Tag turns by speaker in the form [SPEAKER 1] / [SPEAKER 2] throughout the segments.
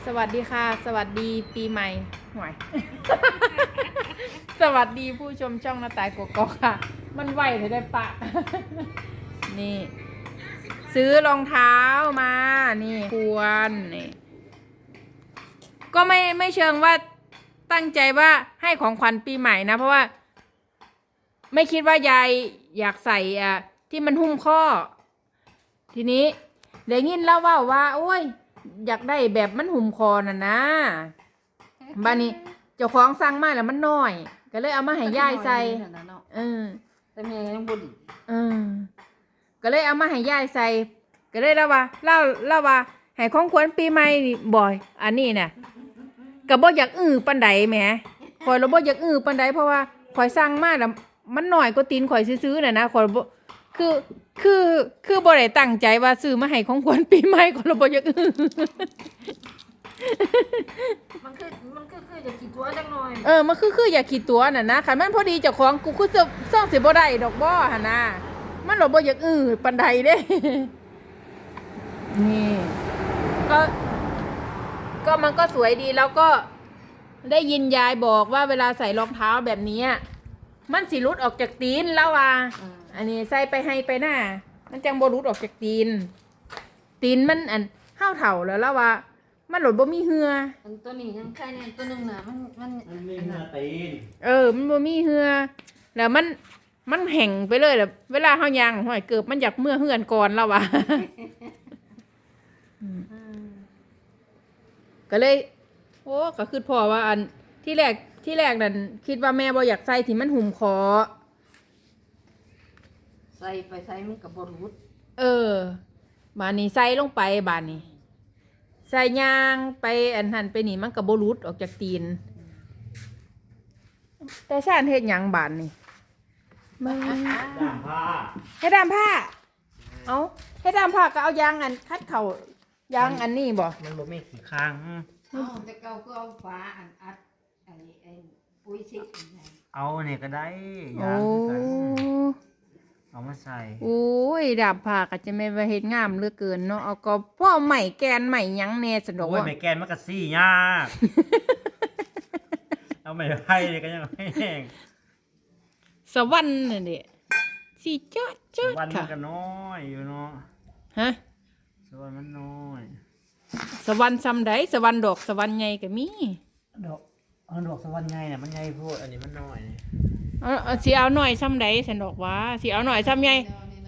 [SPEAKER 1] สวัสดีค่ะสวัสดีปีใหม่หน่อย สวัสดีผู้ชมช่องหน้าต่ายกกอกค่ะมันไหวเลยได้ปะ นี่ซื้อรองเท้ามานี่ควรนี่ก็ไม่เชิงว่าตั้งใจว่าให้ของขวัญปีใหม่นะเพราะว่าไม่คิดว่ายายอยากใส่ที่มันหุ้มข้อทีนี้เดี๋ยวยินเล่าว่าโอ้ยอยากได้แบบมันหุ้มคอน่ะนะบ้านนี้เจ้าของสั่งมาแล้วมันน้อยก็เลยเอามาให้ยายใส่
[SPEAKER 2] แต่แม่ยังบ่ดี
[SPEAKER 1] ก็เลยเอามาให้ยายใส่ก็เลยเล่าว่าให้ของขวัญปีใหม่บ่อยอันนี้น่ะก็บ่อยากปานใดแหมข่อยเราบ่อยากปานใดเพราะว่าข่อยสั่งมาแล้วมันน้อยกว่าตีนข่อยซื้อๆน่ะนะข่อยบ่คือบ่ได้ตั้งใจว่าซื้อมาให้ของขวัญปีใหม่ข่อยเราบ่อยาก
[SPEAKER 2] มันคือจะคิดตัวจังหน่อย
[SPEAKER 1] มันคืออยากขี้ตัวน่ะนะคันมันพอดีเจ้าของกูคือซ่องสิบ่ได้ดอกบ่หั่นน่ะมันเราบ่อยากปานใดเด้นี่ก็มันก็สวยดีแล้วก็ได้ยินยายบอกว่าเวลาใส่รองเท้าแบบนี้มันสิหลุดออกจากตีนแล้วว่าอันนี้ใส่ไปให้ไปหน้ามันจังบ่หลุดออกจากตีนมันห้าวเถ่าแล้วว่ามันหลุดบ่มีเหือ
[SPEAKER 2] ตัวนี้ยังแค่นี้ตัวนึงน่ะมัน
[SPEAKER 3] มีเหือตีน
[SPEAKER 1] มันบ่มีเหือแล้วมันแห้งไปเลยแล้วเวลาเฮาย่างห้อยเกือบมันอยากเมื่อเหือนก่อนแล้วว่าก็เลยโอ้ก็คือพ่อว่าอันที่แรกนั่นคิดว่าแม่บ่อยากใส่ที่มันหุ่มคอ
[SPEAKER 2] ใส่ไปใส่มันก็บ่รุด
[SPEAKER 1] บานนี้ใส่ลงไปบานนี้ใส่ยางไปอันหันไปนี่มันก็บ่รุดออกจากตีนแต่ซ่านเฮ็ดหยังบานนี่
[SPEAKER 3] ด้ามผ้า
[SPEAKER 1] เฮ็ดดามผ้าเอาเฮ็ดดามผ้าก็เอายางคัดเข่ายางอันนี้บ่
[SPEAKER 3] มันบ่มีขี้ข้าง
[SPEAKER 2] แต่เก่าก็เอาฝาอัดไอ้ปุ๋ยซิก
[SPEAKER 3] เอาเนี่ยก็ได้ยางกันเอามาใส่
[SPEAKER 1] โอ้ยดามผ้าก็จะไม่ว่าเฮ็ดงามเหลือเกินเนาะเอาก็พ่อใหม่แกนใหม่หยังแน่สะดอกว่า
[SPEAKER 3] โอ้ยไม่แกนมันก็ซี่ยากเอาไม่ไผ่ก็ยังไม่แห้ง
[SPEAKER 1] สวรรค์นี่นดิสิจ๊ะ
[SPEAKER 3] สวรรค์มันก็น้อยอยู่เนาะ
[SPEAKER 1] ฮะ
[SPEAKER 3] สวรรค์มันน้อย
[SPEAKER 1] สวรรค์ซ้ำใดสวรรค์ดอกสวรรค์ใหญ่ก็มี
[SPEAKER 3] ดอกสวรรค์ใหญ่น่ะมันใหญ่โพดอันนี้มันน้อย
[SPEAKER 1] สิเอาหน่อยซ้ำใดฉันดอกว่าสิเอาหน่อยซ้ำใหญ่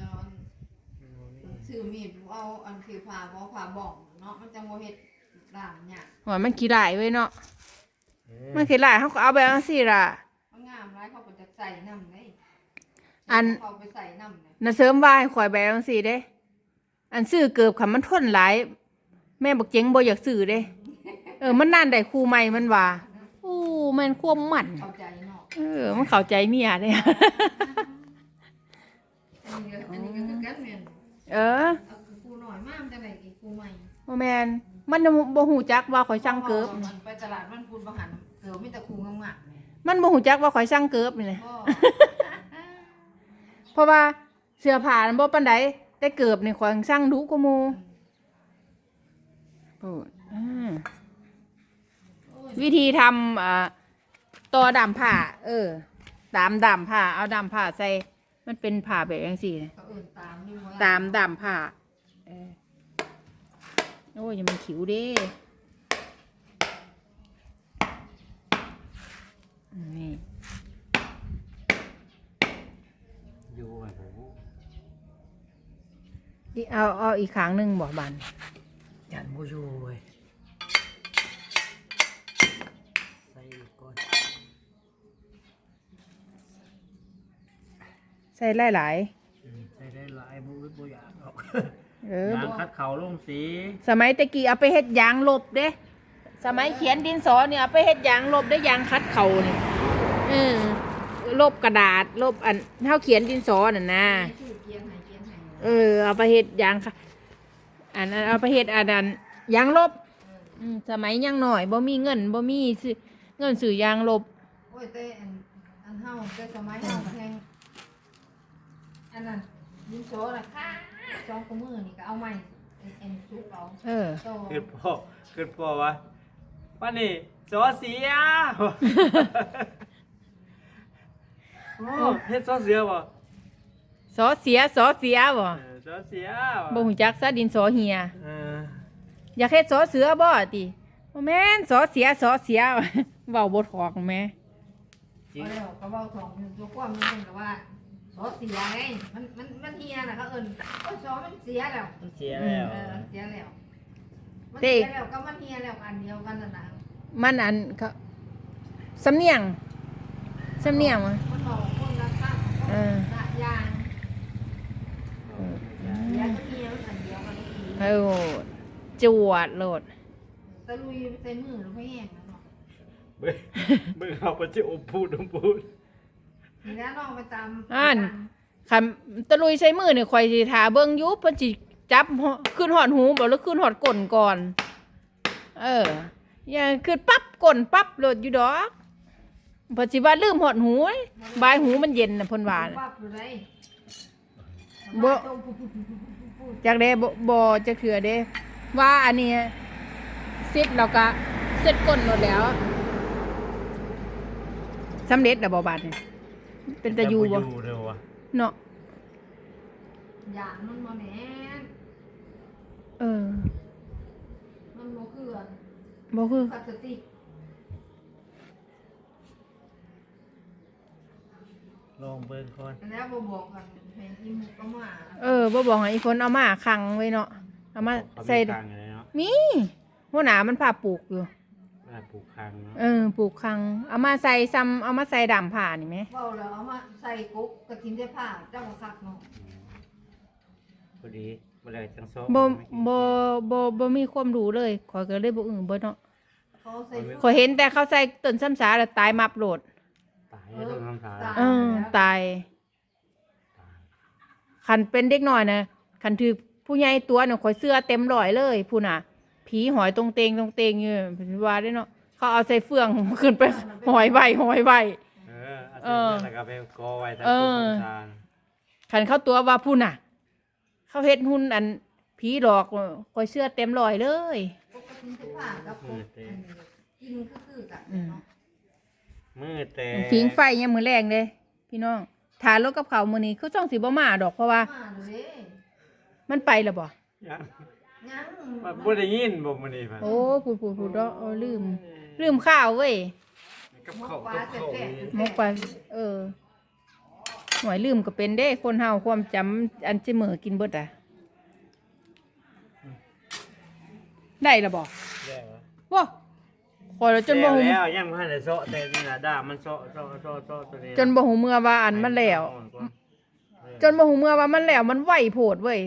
[SPEAKER 2] ซื้อมีดเอาอันคือผ่าบ่องเนาะมันจังบ่เฮ็ดด่างหยัง
[SPEAKER 1] ว่ามันขี้หลายเว้ยเนาะมันขี้หลายเฮาก็เอาแบบจังซี่ล่ะ
[SPEAKER 2] มันงามหลายเขาก็จะใส่น้ำได้เขาไปใส่น้ำ
[SPEAKER 1] น่ะเสริมว่าให้ข่อยแบบจังซี่เด้อันซื้อเกือบคันมันทนหลายแม่บอกเจ๋งบ่อยากซื้อเด้มันนานได้คู่ใหม่มันว่าโอ้แม่นความมัน
[SPEAKER 2] เข้าใจเนาะ
[SPEAKER 1] มันเข้าใจเมียเด้
[SPEAKER 2] อันนี้ก็คือกันแม่นกูน้อยมากจังได๋อีกกูใหม่
[SPEAKER 1] บ่แม่นมันบ่ฮู้จักว่าข่อยสั่งเกิบ
[SPEAKER 2] มันไปตลาดมันพูดบ่หันเกิบมีแต่คูงาม
[SPEAKER 1] ๆมันบ่ฮู้จักว่าข่อยสั่งเกิบนี่แหละเพราะว่าเสื้อผ้ามันบ่ปานใดแต่เกิบนี่ข่อยสั่งดุกว่าหมู่วิธีทำต่อดามผ้าตามดามผ้าเอาดามผ้าใส่มันเป็นผ้าแบบจังซี่นะตามดามผ้าโอ้ยยังมันขิวเด้นี่
[SPEAKER 3] อยู่ไอ้
[SPEAKER 1] โหเอาอีกครั้งหนึ่งบอกบัน
[SPEAKER 3] ยันโมยูเว้ยใส่ก่อน
[SPEAKER 1] ใส่หลาย
[SPEAKER 3] ใส่ได้หลายบ่อยากออก
[SPEAKER 1] ย
[SPEAKER 3] างคัดเขาลงสี
[SPEAKER 1] สมัยตะกี้เอาไปเฮ็ดยางลบเด้สมัยเขียนดินสอเนี่ยเอาไปเฮ็ดยางลบได้ยางคัดเขานี่ลบกระดาษลบอันเท่าเขียนดินสอน่ะนะเอาไปเฮ็ดยางค่ะอันนั้นเอาไปเฮ็ดอันนั้นยางลบสมัยยังหน่อยบ่มีเงินบ่มีเงินซื้อยางลบ
[SPEAKER 2] โอ้ยแต่อันเฮาแต่สมัยเฮาแพงอันนั้นดินสอน่ะค่ะ2 กว่ามื้อนี่ก็เอาใหม่เอ็นซุปเอา
[SPEAKER 1] เออ
[SPEAKER 2] โต
[SPEAKER 3] ขึ้นพ่อวะป้านี่สอเสียโอ้เฮ็ดสอเสียบ่
[SPEAKER 1] สอเสียบ่
[SPEAKER 3] สอเสีย
[SPEAKER 1] บ่ฮู้จักซะดินสอเหีย
[SPEAKER 3] เออ
[SPEAKER 1] อยากเฮ็ดสอเสือบ่ติบ่แม่นสอเสีย เว้าบ่ถอกแม่
[SPEAKER 3] จริง
[SPEAKER 2] เอาแล้วก็เว้าทองอยู่ตัวความมันก็ว่าซอเสียไงมันเฮียน่ะเขาเอิ้นโอ้ยซอมันเสียแล้ว
[SPEAKER 3] มันเสียแล้ว
[SPEAKER 2] เสียแล้วมันเสียแล้วก็มันเฮียแล้วอันเดียวกันน่ะนะ
[SPEAKER 1] มันอันเขาสำเนียงวะ
[SPEAKER 2] มันบอกคนละข้าง
[SPEAKER 1] เออ
[SPEAKER 2] ละอย่างเสียก็เฮียมันอันเดียวกันอีก
[SPEAKER 1] เออจวดโลด
[SPEAKER 2] ตะลุยใส่มือหรือไม่แห้งนะเนาะ
[SPEAKER 3] เบิ่งเอาไปสิอมพูด
[SPEAKER 2] นี่นะน้องไปตาม
[SPEAKER 1] คันตะลุยใช้มือนี่ข่อยสิท่าเบิ่งอยู่เพิ่นสิจับขึ้นหอดหูบ่หรือขึ้นหอดก้นก่อน อย่าขึ้นปั๊บก้นปั๊บโลดอยู่ดอกเพิ่นสิว่าลืมหอดหูเว้ยบายหูมันเย็นน่ะเพิ่นว่าน่ะ
[SPEAKER 2] ปั๊บอยู่เลย
[SPEAKER 1] บ่ จักเด้บ่จักเถื่อเด้ว่าอันนี้เสร็จแล้วก็เสร็จก้นหมดแล้วสำเร็จแล้วบ่บาดนี่เป็นตะยูบ่
[SPEAKER 3] อยู่เด้อวะ
[SPEAKER 1] เนาะ
[SPEAKER 2] อย่างมันมาแหน
[SPEAKER 1] เออ
[SPEAKER 2] มันโมคือ
[SPEAKER 1] บ่คือ
[SPEAKER 2] พลาสติก
[SPEAKER 3] ลองเบิ่งก่อน
[SPEAKER 2] แล้วบ่บอกกันให้กินหมูกระหม่า
[SPEAKER 1] บ่บอกให้อีฝนเอามาขังไว้เนาะเอามาใส่
[SPEAKER 3] คางอะไรเนาะ
[SPEAKER 1] มีหัวหน้ามันพาปลูกอยู่
[SPEAKER 3] ปลูกคางเนาะ
[SPEAKER 1] ปลูกขังเอามาใส่ซ้ำเอามาใส่ดำผ้านี่แหม
[SPEAKER 2] เฝ้าแล้วเอามาใส่กุ๊กกระถิ่นได้ผ้าเจ้าก็คักเนาะ
[SPEAKER 3] พอดีบ่ได้จังซอ
[SPEAKER 1] บ่มีความรู้เลยข้อยก็เลยบ่เบิดเนาะ
[SPEAKER 2] เขาใส่
[SPEAKER 1] ข้อยเห็นแต่เขาใส่ต้นซ้ำสาแล้วตายมับโลด
[SPEAKER 3] ตายแล้วต้องทำทาน
[SPEAKER 1] ตายคันเป็นเด็กน้อยนะคันถือผู้ใหญ่ตัวน่ะข่อยเสื้อเต็มร้อยเลยผู้น่ะ ผีหอยตรงเตงอยู่เป็นว่าได้เนาะเขาเอาใส่เฟืองขึ้นไปหอยไว้
[SPEAKER 3] เอาเสร็จแล้วก็ไปกอไว้ตามต้นทาน
[SPEAKER 1] คันเข้าตัวว่าผู้น่ะ เขาเฮ็ดหุ่นอันผีหลอกข่อยเสื้อเต็มร้อยเลย
[SPEAKER 2] กุ๊กกระถิ่นได้ผ้ากับกุ๊กอันนี้กินคือกันเนาะ
[SPEAKER 3] มือแต่
[SPEAKER 1] ฟิงไฟยังมือแรงเลยพี่น้องทานรถกับเขาวมื้อนี้คือจ้องสิบ่มาดอกเพราะว่า
[SPEAKER 2] มาเลย
[SPEAKER 1] มันไปแล้วบ่
[SPEAKER 3] ยัง
[SPEAKER 2] ยัง
[SPEAKER 3] บ่ได้ยินบ่มื้อนี้พัน
[SPEAKER 1] โอ้พูดเนาะลืมข้าวเว้ย
[SPEAKER 3] กับข้าวกับข้าวนี่
[SPEAKER 1] มกไปหวยลืมก็เป็นเด้คนเฮาความจำอันจะเหมือกินเบิดอ่ะได้ละบ่
[SPEAKER 3] แล้ว
[SPEAKER 1] ว้าคอยแล้วจนบ่ฮู้
[SPEAKER 3] แล้วยังบ่ทันได้เซาะแต่นี่น่ะด่ามันเซาะตัวนี้
[SPEAKER 1] จนบ่ฮู้เมื่อว่าอันมันแล้ว จนบ่ฮู้เมื่อว่ามันแล้วมันไหวโพดเว้ย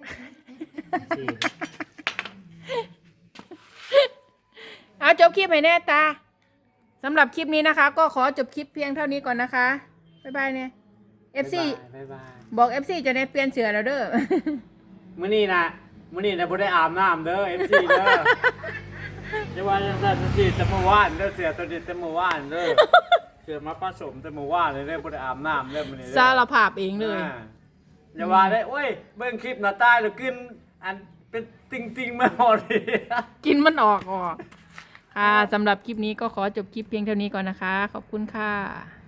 [SPEAKER 1] เอาจบคลิปให้แน่ตาสำหรับคลิปนี้นะคะ ก็ขอจบคลิปเพียงเท่านี้ก่อนนะคะบ๊ายบายเนี่ย FC
[SPEAKER 3] บ๊ายบาย
[SPEAKER 1] บอก FC จะได้เปลี่ยนเสื้อแล้วเด้อ
[SPEAKER 3] มื้อนี้นะบ่ได้อาบน้ำเด้อ FC เด้อจะว่าจังซั่นสิแต่เมื่อวานเด้อเสือตัวนี้แต่เมื่อวานเด้อเสือมาผสมแต่เมื่อวานเลยเด้อบ่ได้อาบน้ำเด้อมื้อนี้เด้อ
[SPEAKER 1] สารภาพเองเลย
[SPEAKER 3] อย่าว่าได้โอ้ยเบิ่งคลิปหน้าตายแล้วกินอันเป็นติ่งๆมาหมดเลย
[SPEAKER 1] กินมันออกค่ะสำหรับคลิปนี้ก็ขอจบคลิปเพียงเท่านี้ก่อนนะคะ ขอบคุณค่ะ